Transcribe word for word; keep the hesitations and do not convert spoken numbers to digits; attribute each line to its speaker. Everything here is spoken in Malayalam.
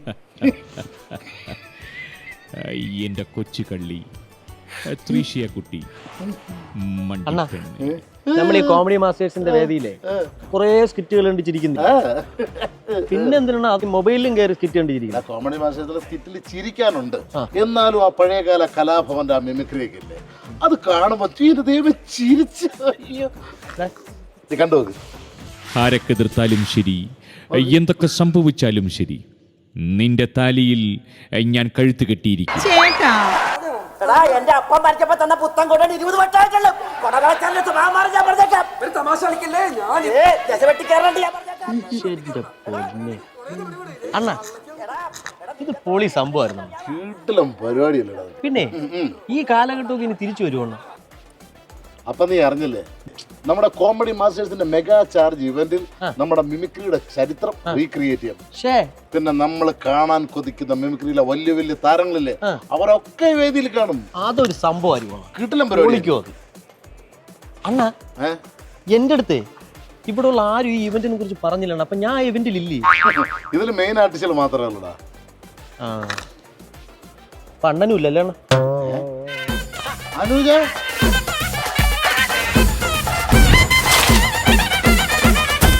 Speaker 1: എന്റെ കൊച്ചു കള്ളി ത്രീഷിയ കുട്ടി.
Speaker 2: നമ്മൾ ഈ കോമഡി മാസ്റ്റേഴ്സിന്റെ വേദിയിലെ കുറെ സ്കിറ്റുകൾ കണ്ടിരിക്കുന്നു. പിന്നെ എന്തിനാണ് അത് മൊബൈലിലും കയറി സ്കിറ്റ് കണ്ടിരിക്കുന്നത്?
Speaker 3: കോമഡി മാസ്റ്റേഴ്സിലെ സ്കിറ്റിൽ ചിരിക്കാനുണ്ട്, എന്നാലും ആ പഴയകാല കലാഭവന്റെ ആ മിമിക്രിയൊക്കെ ഇല്ലേ, അത് കാണുമ്പോ ദൈവം ചിരിച്ച് കണ്ടു.
Speaker 1: ആരക്കെതിർത്താലും ശരി, എന്തൊക്കെ സംഭവിച്ചാലും ശരി, നിന്റെ താലിയിൽ ഞാൻ കഴുത്ത് കെട്ടിയിരിക്കും.
Speaker 4: എന്റെ അപ്പം മരിച്ചപ്പോ തന്ന പുത്തൻ കൊണ്ടാണ് ഇരുപത് വട്ടായിട്ടുള്ളൂ. തമാശ കളിക്കില്ലേ?
Speaker 2: അണ്ണ ഇത് പൊളി സംഭവമായിരുന്നു.
Speaker 3: വീട്ടിലും പരിപാടിയല്ലേ.
Speaker 2: പിന്നെ ഈ കാലഘട്ടമൊക്കെ ഇനി തിരിച്ചു വരുവണ്ണ.
Speaker 3: അപ്പൊ നീ അറിഞ്ഞില്ലേ, നമ്മുടെ കോമഡി മാസ്റ്റേഴ്സിന്റെ മെഗാ ചാർജ് ഇവന്റിൽ നമ്മുടെ മിമിക്രിയുടെ ചരിത്രം റീക്രിയേറ്റ് ചെയ്യാം. പിന്നെ നമ്മൾ കാണാൻ കൊതിക്കുന്ന മിമിക്രിയിലെ വലിയ വലിയ താരങ്ങളില്ലേ, അവരൊക്കെ വേദിയിൽ കാണും.
Speaker 2: അതൊരു സംഭവമായിരിക്കും.
Speaker 3: കിട്ടിലും പരിപാടിക്കോ അത്.
Speaker 2: അണ്ണ എന്റെ അടുത്ത് ഇവിടെ ഉള്ള ആരും ഈ ഇവന്റിനെ കുറിച്ച് പറഞ്ഞില്ലാണ്. അപ്പൊ ഞാൻ ഇവന്റിൽ ഇല്ലേ?
Speaker 3: ഇതിൽ മെയിൻ ആർട്ടിസ്റ്റുകൾ മാത്രമേ ഉള്ളൂടാ.
Speaker 2: പണ്ണനും ഇല്ലല്ലേ അണ്ണ?
Speaker 3: അനുജ